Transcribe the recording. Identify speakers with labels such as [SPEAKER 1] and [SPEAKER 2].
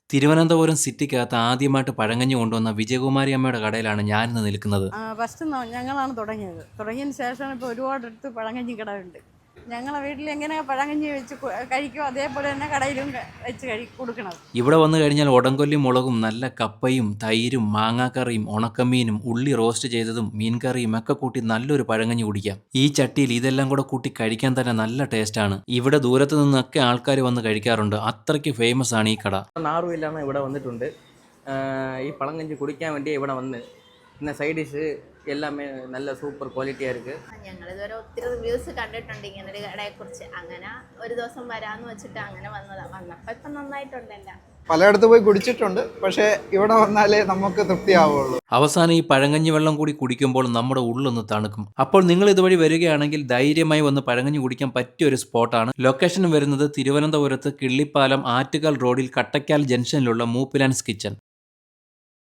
[SPEAKER 1] തിരുവനന്തപുരം സിറ്റിക്കകത്ത് ആദ്യമായിട്ട് പഴങ്കഞ്ഞി കൊണ്ടുവന്ന വിജയകുമാരി അമ്മയുടെ കടയിലാണ് ഞാനിന്ന് നിൽക്കുന്നത്.
[SPEAKER 2] ഫസ്റ്റ് ഞങ്ങളാണ് തുടങ്ങിയത്. തുടങ്ങിയതിന് ശേഷമാണ് ഇപ്പോൾ ഒരുപാടടുത്ത് പഴങ്കഞ്ഞി കടയുണ്ട്. ഞങ്ങളെ വീട്ടിൽ എങ്ങനെ പഴങ്കഞ്ഞി വെച്ച് കഴിക്കും അതേപോലെ തന്നെ കടയിലും വെച്ച് കൊടുക്കണത്.
[SPEAKER 1] ഇവിടെ വന്നു കഴിഞ്ഞാൽ ഉടംകൊല്ലി മുളകും നല്ല കപ്പയും തൈരും മാങ്ങാക്കറിയും ഉണക്കമീനും ഉള്ളി റോസ്റ്റ് ചെയ്തതും മീൻകറിയും ഒക്കെ കൂട്ടി നല്ലൊരു പഴങ്കഞ്ഞി കുടിക്കാം. ഈ ചട്ടിയിൽ ഇതെല്ലാം കൂടെ കൂട്ടി കഴിക്കാൻ തന്നെ നല്ല ടേസ്റ്റാണ്. ഇവിടെ ദൂരത്ത് നിന്നൊക്കെ ആൾക്കാർ വന്ന് കഴിക്കാറുണ്ട്. അത്രയ്ക്ക് ഫേമസ് ആണ് ഈ കട.
[SPEAKER 3] നാറുമില്ലാന്ന് ഇവിടെ വന്നിട്ടുണ്ട്. ഈ പഴങ്കഞ്ഞി കുടിക്കാൻ വേണ്ടി ഇവിടെ വന്ന് പിന്നെ സൈഡ് ഡിഷ് എല്ലാമേ നല്ല സൂപ്പർ ക്വാളിറ്റിயாக இருக்குது.
[SPEAKER 4] ഞങ്ങളിതുവരെ ഒത്തിരി റിവ്യൂസ് കണ്ടിട്ടുണ്ട് ഇങ്ങനൊരു കടയെക്കുറിച്ച്. അങ്ങനെ ഒരു ദിവസം വരാമെന്ന് വെച്ചിട്ട് അങ്ങനെ വന്നതാണ്. വന്നപ്പോൾ ഇപ്പം നന്നായിട്ടുണ്ടല്ല.
[SPEAKER 5] പലയിടത്ത് പോയി കുടിച്ചിട്ടുണ്ട്, പക്ഷേ ഇവിടെ വന്നാലേ നമുക്ക് തൃപ്തിയാവുള്ളൂ.
[SPEAKER 1] അവസാനം ഈ പഴങ്കഞ്ഞി വെള്ളം കൂടി കുടിക്കുമ്പോൾ നമ്മുടെ ഉള്ളൊന്ന് തണുക്കും. അപ്പോൾ നിങ്ങൾ ഇതുവഴി വരികയാണെങ്കിൽ ധൈര്യമായി വന്ന് പഴങ്കഞ്ഞി കുടിക്കാൻ പറ്റിയ ഒരു സ്പോട്ടാണ്. ലൊക്കേഷൻ വരുന്നത് തിരുവനന്തപുരത്ത് കിള്ളിപ്പാലം ആറ്റുകാൽ റോഡിൽ കട്ടയ്ക്കാൽ ജംഗ്ഷനിലുള്ള മൂപ്പിലാൻസ് കിച്ചൺ.